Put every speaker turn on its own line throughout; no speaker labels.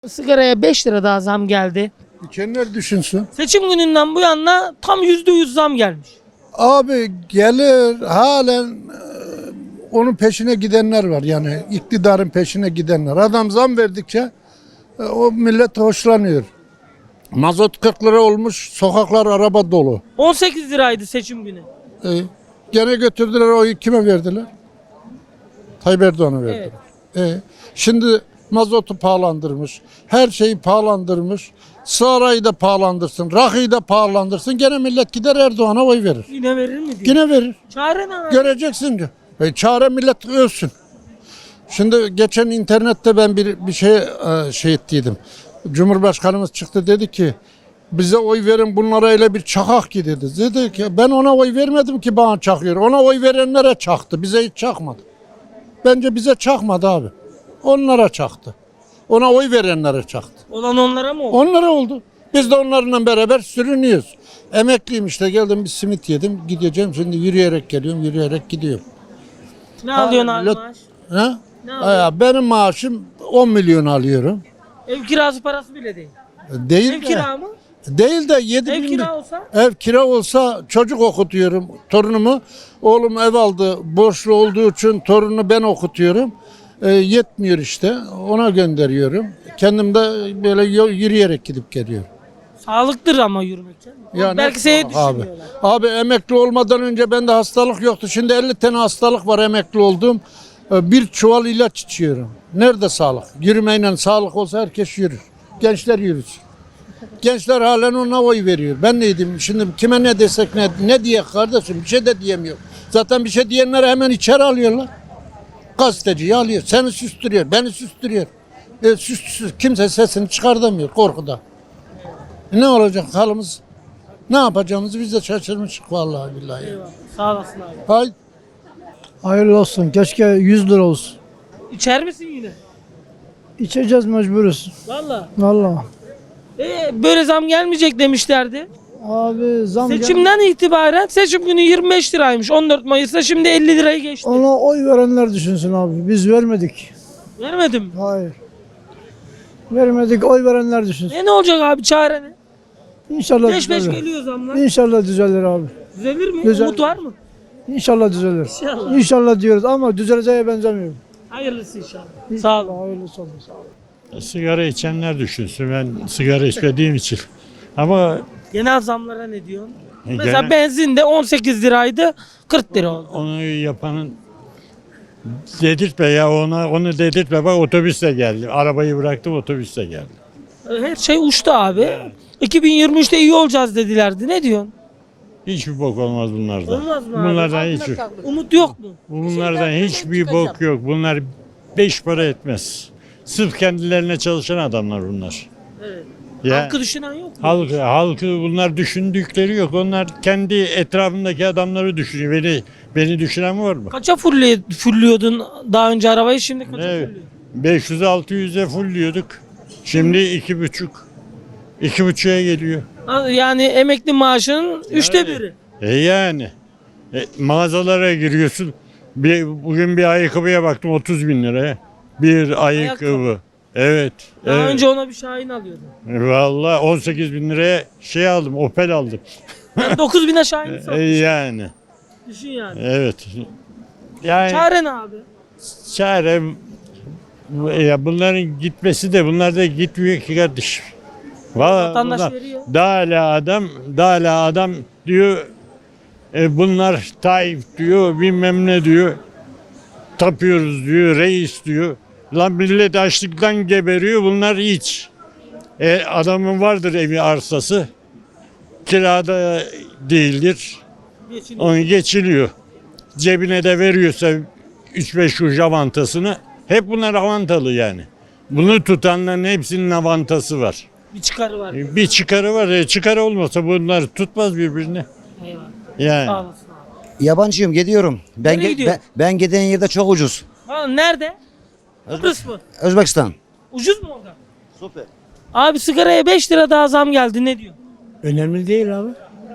Sigaraya 5 lira daha zam geldi.
İçenler düşünsün.
Seçim gününden bu yana tam %100 zam gelmiş.
Abi gelir halen onun peşine gidenler var, yani iktidarın peşine gidenler. Adam zam verdikçe o millet hoşlanıyor. Mazot 40 lira olmuş, sokaklar araba dolu.
18 liraydı seçim günü.
E, Gene götürdüler, oyu kime verdiler? Tayyip Erdoğan'a verdiler. Şimdi mazotu pahalandırmış, her şeyi pahalandırmış. Sarayı da pahalandırsın, rakıyı da pahalandırsın. Gene millet gider Erdoğan'a oy verir.
Yine verir mi diyor.
Yine verir.
Çare ne abi?
Göreceksin diyor. Çare millet ölsün. Şimdi geçen internette ben bir şey ettiydim. Cumhurbaşkanımız çıktı, dedi ki bize oy verin, bunlara öyle bir çakak ki dedi. Dedi ki ben ona oy vermedim ki bana çakıyor. Ona oy verenlere çaktı. Bize hiç çakmadı. Bence bize çakmadı abi. Onlara çaktı. Ona oy verenlere çaktı.
Olan onlara mı oldu?
Onlara oldu. Biz de onlarla beraber sürünüyoruz. Emekliyim işte, geldim bir simit yedim. Gideceğim şimdi, yürüyerek geliyorum, yürüyerek gidiyorum.
Ne alıyorsun abi
millet-
maaş?
Ha?
Ne alıyorsun?
Benim maaşım 10 milyon alıyorum.
Ev kirası parası bile değil.
Değil
Ev
de,
kira mı?
değil de 7
Ev
bin.
kira olsa?
Ev kira olsa çocuk okutuyorum torunumu. Oğlum ev aldı, borçlu olduğu için torununu ben okutuyorum. Yetmiyor işte, ona gönderiyorum. Kendim de böyle yürüyerek gidip geliyorum.
Sağlıktır ama yürümek. Canım.
Ya
Belki
ne
seni
sağlık abi.
düşünmüyorlar.
Abi emekli olmadan önce bende hastalık yoktu. Şimdi 50 tane hastalık var, emekli oldum. Bir çuval ilaç içiyorum. Nerede sağlık? Yürümeyle sağlık olsa herkes yürür. Gençler yürüsün. Gençler halen ona oy veriyor. Ben neydim? Şimdi kime ne desek ne diye kardeşim, bir şey de diyemiyor. Zaten bir şey diyenleri hemen içeri alıyorlar. Gazeteciyi alıyor. Seni süstürüyor, beni süstürüyor. Kimse sesini çıkartamıyor korkuda. Ne olacak halimiz? Ne yapacağımızı biz de şaşırmışık vallahi billahi.
Eyvallah. Sağ olasın abi.
Hay
Hayırlı olsun. Keşke 100 lira olsun.
İçer misin yine?
İçeceğiz, mecburuz.
Valla.
Vallahi.
Böyle zam gelmeyecek demişlerdi.
Abi
Seçimden itibaren seçim günü 25 liraymış. 14 Mayıs'ta şimdi 50 lirayı geçti.
Ona oy verenler düşünsün abi. Biz vermedik.
Vermedim mi?
Hayır. Vermedik, oy verenler düşünsün.
Ne olacak abi, çare ne?
İnşallah
5-5
düzelir.
geliyor zamlar.
İnşallah düzelir abi.
Düzelir mi?
Düzelir.
Umut var mı?
İnşallah düzelir.
İnşallah.
İnşallah diyoruz ama düzeleceğe benzemiyor.
Hayırlısı inşallah. Sağ olun.
Hayırlısı olsun. Sağ olun.
Sigara içenler düşünsün. Ben sigara içmediğim için. Ama
Genel zamlara ne diyorsun?
genel-
Mesela benzin de 18 liraydı, 40 lira oldu.
onu yapanın dedirtme ya, onu dedirtme, bak otobüsle geldi. Arabayı bıraktım, otobüsle geldi.
Her şey uçtu abi. 2023'te iyi olacağız dedilerdi. Ne diyorsun?
Hiçbir bok olmaz bunlardan.
Olmaz mı abi?
Bunlardan hiç
Umut yok mu?
bunlardan hiçbir bok yok. Bunlar 5 para etmez. Sırf kendilerine çalışan adamlar bunlar.
Evet.
Ya
Halkı düşünen yok mu?
halkı bunlar düşündükleri yok. Onlar kendi etrafındaki adamları düşünüyor. Beni düşünen var mı?
Kaça fulliyordun daha önce arabayı, şimdi kaça
Evet.
fulluyorsun?
500-600'e fullliyorduk. Şimdi 2,5. 2,5'a geliyor.
Yani emekli maaşının üçte biri.
Yani. Mağazalara giriyorsun. Bugün bir ayakkabıya baktım 30 bin liraya. Bir ayakkabı. Evet.
Daha
evet.
önce ona bir Şahin alıyordun.
Vallahi 18 bin liraya şey aldım. Opel aldım.
Ben 9 bine Şahin satmışım.
Yani.
Düşün yani.
Evet. Yani
Çare ne abi?
çare ya bunların gitmesi de, bunlar da gitmiyor ki kardeşim. Vallahi
Vatandaş
bunlar-
veriyor.
daha hala adam diyor, bunlar Tayyip diyor, bilmem ne diyor, tapıyoruz diyor, reis diyor. Lan millet açlıktan geberiyor, bunlar hiç. Adamın vardır evi, arsası, kirada değildir,
Geçiniyor.
onu geçiliyor. Cebine de veriyorsa 3-5 kuruş avantasını, hep bunlar avantalı yani. Bunu tutanların hepsinin avantası var.
Bir çıkarı var.
Bir çıkarı var. Çıkarı olmasa bunlar tutmaz birbirini.
Eyvallah.
Yani.
Sağ olasın abi.
Yabancıyım, gidiyorum.
Nereye gidiyorsun?
Ben giden yerde çok ucuz.
Ha, nerede? Kıbrıs mı?
Özbekistan.
Ucuz mu orada?
Süper.
Abi sigaraya 5 lira daha zam geldi, ne diyor?
Önemli değil abi.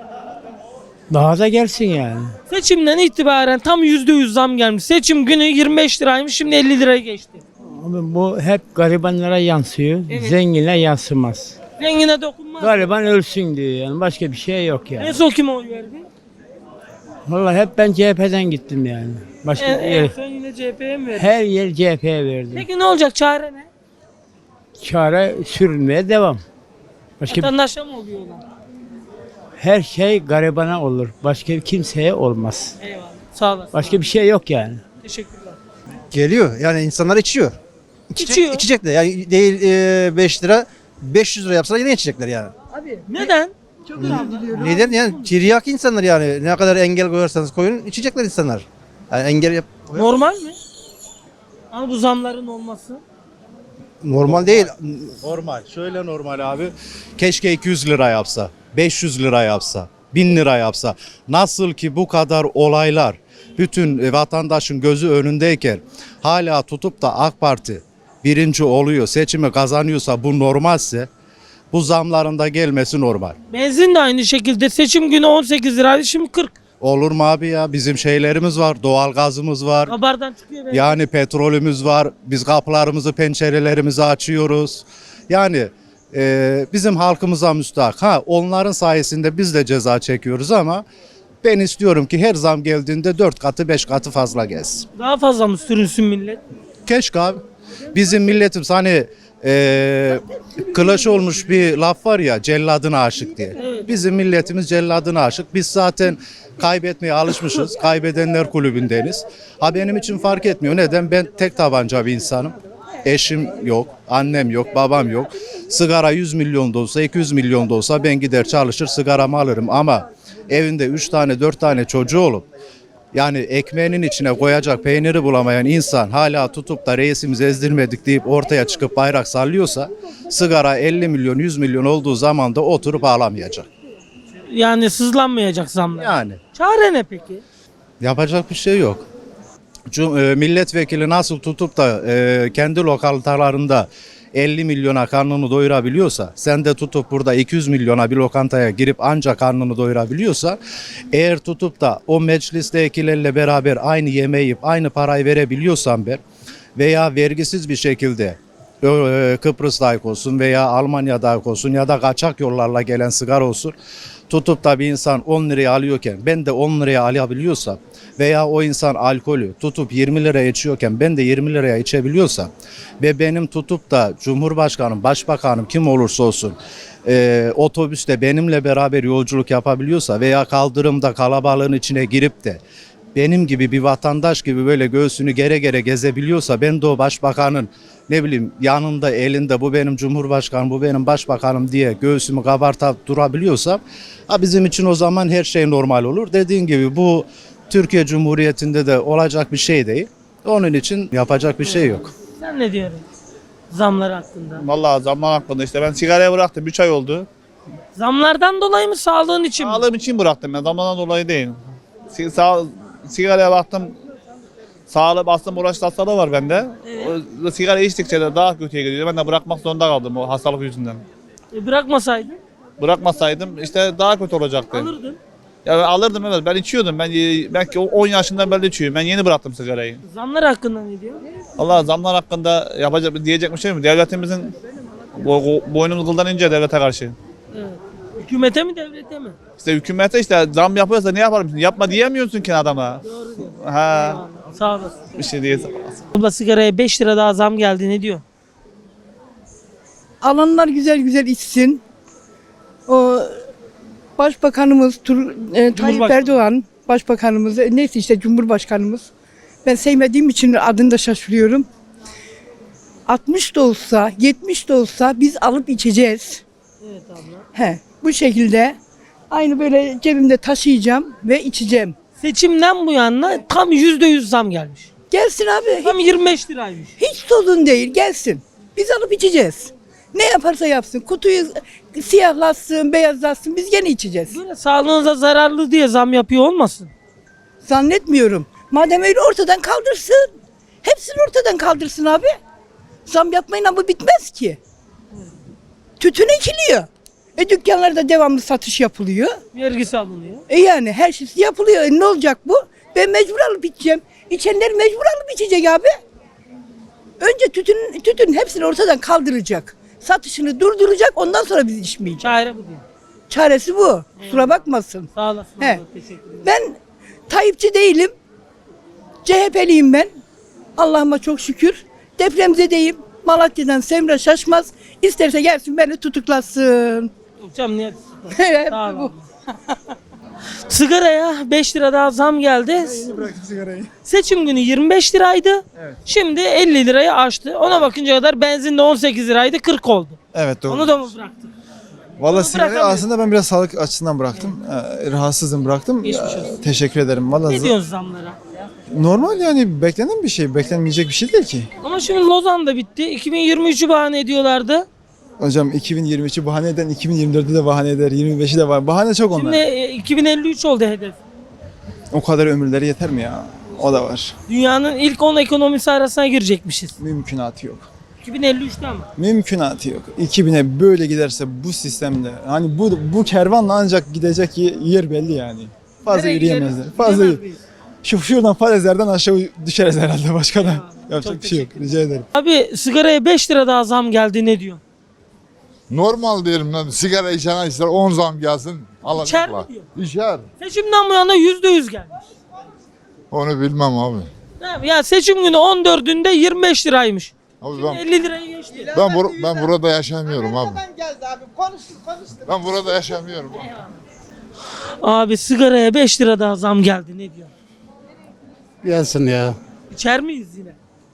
Daha da gelsin yani.
Seçimden itibaren tam %100 zam gelmiş. Seçim günü 25 liraymış, şimdi 50 liraya geçti.
Abi bu hep garibanlara yansıyor.
Evet.
Zengine yansımaz.
Zengine dokunmaz.
Gariban ölsün diyor yani. Başka bir şey yok yani.
En son kime oy verdi?
Vallahi hep ben CHP'den gittim yani. Başka
En son yine CHP'ye mi verdi?
her yer CHP'ye verdim.
Peki ne olacak, çare ne?
Çare sürünmeye devam. Başka
Vatandaşa mı oluyor olan?
her şey garibana olur. Başka kimseye olmaz.
Eyvallah. Sağ olasın.
Başka bir şey yok yani.
Teşekkürler.
Geliyor. Yani insanlar içiyor.
İçiyor.
İçecekler. Yani değil 5 lira 500 lira yapsalar yine içecekler yani.
Abi neden?
Neden yani tiryak insanlar yani ne kadar engel koyarsanız koyun içecekler insanlar. Yani engel yap
Normal mi? Ama bu zamların olması.
normal değil.
Normal. Şöyle normal abi. Keşke 200 lira yapsa, 500 lira yapsa, 1000 lira yapsa. Nasıl ki bu kadar olaylar bütün vatandaşın gözü önündeyken hala tutup da AK Parti birinci oluyor, seçimi kazanıyorsa bu normalse bu zamların da gelmesi normal.
Benzin de aynı şekilde seçim günü 18 liraydı, şimdi 40.
Olur mu abi ya? Bizim şeylerimiz var, doğalgazımız var.
Kabardan çıkıyor benzin.
Yani petrolümüz var. Biz kapılarımızı, pencerelerimizi açıyoruz. Yani bizim halkımıza müstahak. Ha, onların sayesinde biz de ceza çekiyoruz ama ben istiyorum ki her zam geldiğinde 4 katı 5 katı fazla gelsin.
Daha fazla mı sürünsün millet?
Keşke abi. Bizim milletimiz hani kılaç olmuş bir laf var ya, celladına aşık diye. Bizim milletimiz celladına aşık. Biz zaten kaybetmeye alışmışız. Kaybedenler kulübündeniz. Ha, benim için fark etmiyor. Neden? Ben tek tabanca bir insanım. Eşim yok, annem yok, babam yok. Sigara 100 milyon da olsa, 200 milyon da olsa ben gider çalışır sigaramı alırım. Ama evinde 3 tane 4 tane çocuğu olup yani ekmeğinin içine koyacak peyniri bulamayan insan hala tutup da reisimizi ezdirmedik deyip ortaya çıkıp bayrak sallıyorsa sigara 50 milyon 100 milyon olduğu zaman da oturup ağlamayacak.
Yani sızlanmayacak zamlar.
Yani
Çare ne peki?
yapacak bir şey yok. Milletvekili nasıl tutup da kendi lokantalarında 50 milyona karnını doyurabiliyorsa, sen de tutup burada 200 milyona bir lokantaya girip ancak karnını doyurabiliyorsa, eğer tutup da o meclistekilerle beraber aynı yemeği yiyip aynı parayı verebiliyorsan ben veya vergisiz bir şekilde Kıbrıs'ta olsun veya Almanya'da olsun ya da kaçak yollarla gelen sigara olsun, tutup da bir insan 10 liraya alıyorken ben de 10 liraya alabiliyorsam veya o insan alkolü tutup 20 liraya içiyorken ben de 20 liraya içebiliyorsam ve benim tutup da Cumhurbaşkanım, Başbakanım kim olursa olsun otobüste benimle beraber yolculuk yapabiliyorsa veya kaldırımda kalabalığın içine girip de benim gibi bir vatandaş gibi böyle göğsünü gere gere gezebiliyorsa ben de o başbakanın ne bileyim yanında elinde bu benim cumhurbaşkanım bu benim başbakanım diye göğsümü kabartıp durabiliyorsam bizim için o zaman her şey normal olur. Dediğin gibi bu Türkiye Cumhuriyeti'nde de olacak bir şey değil. Onun için yapacak bir şey yok.
Sen ne diyorsun zamlar hakkında?
Vallahi zaman hakkında işte ben sigarayı bıraktım 3 ay oldu.
Zamlardan dolayı mı, sağlığın için mi?
Sağlığım için bıraktım ben zamandan dolayı değil. Sigaraya baktım. Sağlık aslında uğraş hastalığı var bende. O sigara içtikçe de daha kötüye gidiyor. Ben de bırakmak zorunda kaldım o hastalık yüzünden.
Bırakmasaydın
Bırakmasaydım işte daha kötü olacaktı.
alırdın.
Ya ben alırdım evet ben içiyordum. Ben belki 10 yaşından beri içiyorum. Ben yeni bıraktım sigarayı.
Zamlar hakkında ne diyor?
Allah zamlar hakkında diyecek bir şey mi? Devletimizin boynumuz kıldan ince devlete karşı.
Evet. Hükümete mi, devlete mi?
İşte hükümete işte zam yapıyorsa ne yapalım? Yapma diyemiyorsun ki adama.
Doğru diyor.
Ha,
Eyvallah. Sağ olasın.
bir şey değil.
Abla sigaraya 5 lira daha zam geldi, ne diyor?
Alanlar güzel güzel içsin. O Başbakanımız Tayyip
Cumhurbaşkanı.
Erdoğan, Başbakanımız, neyse işte Cumhurbaşkanımız. Ben sevmediğim için adını da şaşırıyorum. 60 da olsa, 70 de olsa biz alıp içeceğiz.
Evet abla.
Bu şekilde aynı böyle cebimde taşıyacağım ve içeceğim.
Seçimden bu yana tam %100 zam gelmiş.
Gelsin abi.
Tam 25 liraymış.
Hiç sorun değil, gelsin. Biz alıp içeceğiz. Ne yaparsa yapsın. Kutuyu siyahlatsın, beyazlatsın. Biz gene içeceğiz.
Böyle sağlığınıza zararlı diye zam yapıyor olmasın?
Zannetmiyorum. Madem öyle ortadan kaldırsın. Hepsini ortadan kaldırsın abi. Zam yapmayla bu bitmez ki. Tütün ekiliyor. Dükkanlarda devamlı satış yapılıyor.
Vergisi alınıyor.
Yani her şey yapılıyor. Ne olacak bu? Ben mecbur alıp içeceğim. İçenler mecbur alıp içecek abi. Önce tütün hepsini ortadan kaldıracak. Satışını durduracak, ondan sonra biz içmeyeceğiz.
Çare bu diyor.
Çaresi bu. Kusura bakmasın.
Sağ olasın.
He.
abla, teşekkür ederim.
Ben Tayyipçi değilim. CHP'liyim ben. Allah'ıma çok şükür. Depremzedeyim. Malatya'dan Semra Şaşmaz. İsterse gelsin beni tutuklasın.
Hocam niye?
Hep
Sağ ol.
bu.
Sigaraya 5 lira daha zam geldi. Seçim günü 25 liraydı. Şimdi 50 lirayı aştı. Ona bakınca kadar benzin de 18 liraydı, 40 oldu.
Evet doğru.
Onu da mı bıraktın?
Valla
Onu
sigarayı
bırakamıyorum.
aslında ben biraz sağlık açısından bıraktım. Rahatsızım bıraktım.
Geçmiş olsun.
Teşekkür ederim. Valla
Ne diyorsun zamlara?
normal yani beklenen bir şey. Beklenmeyecek bir şey değil ki.
Ama şimdi Lozan da bitti. 2023'ü bahane ediyorlardı.
Hocam 2023'ü bahane eden 2024'ü de bahane eder. 25'i de var. Bahane çok onlar.
Şimdi 2053 oldu hedef.
O kadar ömürleri yeter mi ya? O da var.
Dünyanın ilk 10 ekonomisi arasına girecekmişiz.
Mümkünatı yok.
2053'te ama.
Mümkünatı yok. 2000'e böyle giderse bu sistemde hani bu kervanla ancak gidecek yer belli yani. Fazla
Nereye
yürüyemezler.
gideriz?
Fazla
Gidemez miyiz?
şuradan falezlerden aşağı düşeriz herhalde başka da.
çok
Yapacak bir şey yok. Rica ederim.
Abi sigaraya 5 lira daha zam geldi, ne diyor?
Normal diyelim lan. Sigara içen ister 10 zam gelsin.
İçer mi
Alacaklar.
diyor?
İçer.
Seçimden bu yana %100 gelmiş.
Onu bilmem abi.
Ya seçim günü 14'ünde 25 liraymış.
Abi
Şimdi
ben
50 liraya geçti.
ben burada yaşamıyorum abi. Ben burada yaşamıyorum.
Abi sigaraya 5 lira daha zam geldi, ne diyor?
Gelsin ya.
İçer miyiz yine?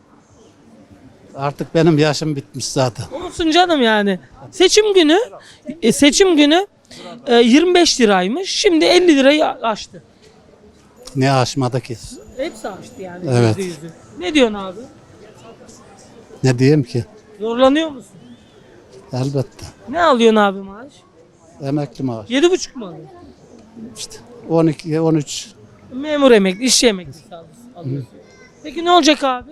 Artık benim yaşım bitmiş zaten.
Olsun canım yani. Seçim günü 25 liraymış. Şimdi 50 lirayı aştı.
Ne aşmadı ki?
Hepsi aştı yani.
Evet.
%100'ü. Ne diyorsun abi?
Ne diyeyim ki?
Zorlanıyor musun?
Elbette.
Ne alıyorsun abi maaş?
Emekli maaş.
7,5 mu alıyorsun?
İşte 12, 13.
Memur emekli, işçi emeklisi alıyorsun. Peki ne olacak abi?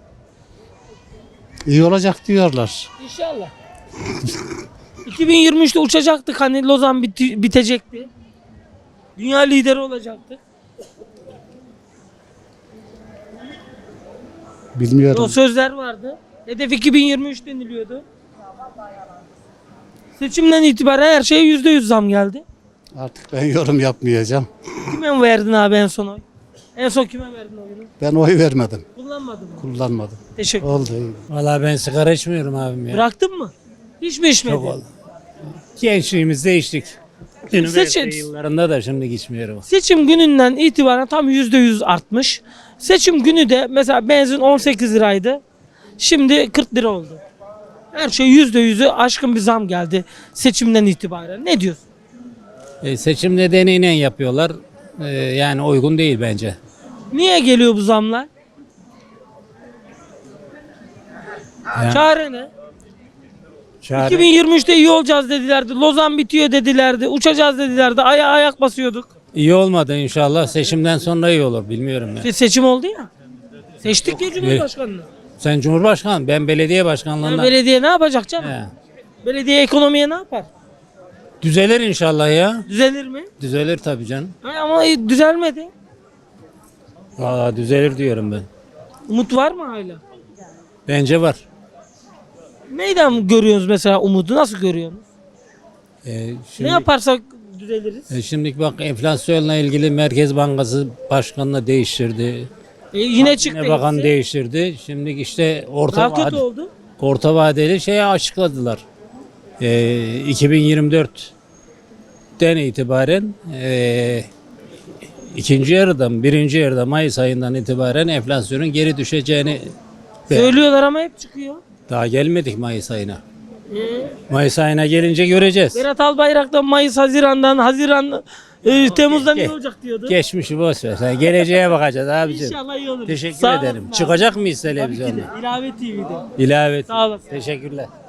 İyi olacak diyorlar.
İnşallah. 2023'te uçacaktık, hani Lozan bitecekti. Dünya lideri olacaktık.
Bilmiyorum.
O sözler vardı. Hedef 2023 deniliyordu. Seçimden itibaren her şeye %100 zam geldi.
Artık ben yorum yapmayacağım.
Kime mi verdin abi en son oy? En son kime verdin oyunu?
Ben oy vermedim.
Kullanmadın mı?
Kullanmadım.
Teşekkür.
Oldu iyi.
Valla ben sigara içmiyorum abim ya.
Bıraktın mı? Hiç mi içmedin?
Çok oldu. Gençliğimizde içtik. Üniversite
Seçim-
yıllarında da şimdi içmiyorum.
Seçim gününden itibaren tam %100 artmış. Seçim günü de mesela benzin 18 liraydı. Şimdi 40 lira oldu. Her şey %100'ü aşkın bir zam geldi seçimden itibaren. Ne diyorsun?
Seçim nedeniyle yapıyorlar. Yani uygun değil bence.
Niye geliyor bu zamlar?
Yani-
Çare ne?
Çare-
2023'te iyi olacağız dedilerdi. Lozan bitiyor dedilerdi. Uçacağız dedilerdi. Ayak basıyorduk.
İyi olmadı inşallah. Seçimden sonra iyi olur. Bilmiyorum ya.
Seçim oldu ya. Seçtik ya Cumhurbaşkanını.
Sen Cumhurbaşkanı, ben belediye
Ya
başkanlığından.
belediye ne yapacak canım?
He.
Belediye ekonomiye ne yapar?
Düzelir inşallah ya.
Düzelir mi?
Düzelir tabii canım.
Ama düzelmedi.
Valla düzelir diyorum ben.
Umut var mı hala?
Bence var.
Neyden görüyorsunuz mesela umudu? Nasıl görüyorsunuz?
Şimdi,
Ne yaparsak düzeliriz.
Şimdi bak, enflasyonla ilgili Merkez Bankası Başkanı'nı değiştirdi.
Yine çıktı.
Yine bakan
hepsi.
değiştirdi. Şimdi işte
Daha kötü oldu.
orta vadeli şeyi açıkladılar. 2024'ten itibaren birinci yarıda Mayıs ayından itibaren enflasyonun geri düşeceğini
Söylüyorlar ama hep çıkıyor.
daha gelmedik Mayıs ayına. Mayıs ayına gelince göreceğiz.
Berat Albayrak'tan Haziran, Temmuz'dan iyi olacak diyordu.
Geçmişi boş ver. Sen geleceğe bakacağız abicim.
İnşallah iyi olur.
Teşekkür
Sağ
ederim.
olasın abi.
Çıkacak mıyız
Tabii ki de.
televizyonda?
İlave TV'de.
İlave.
Sağ olasın.
Teşekkürler.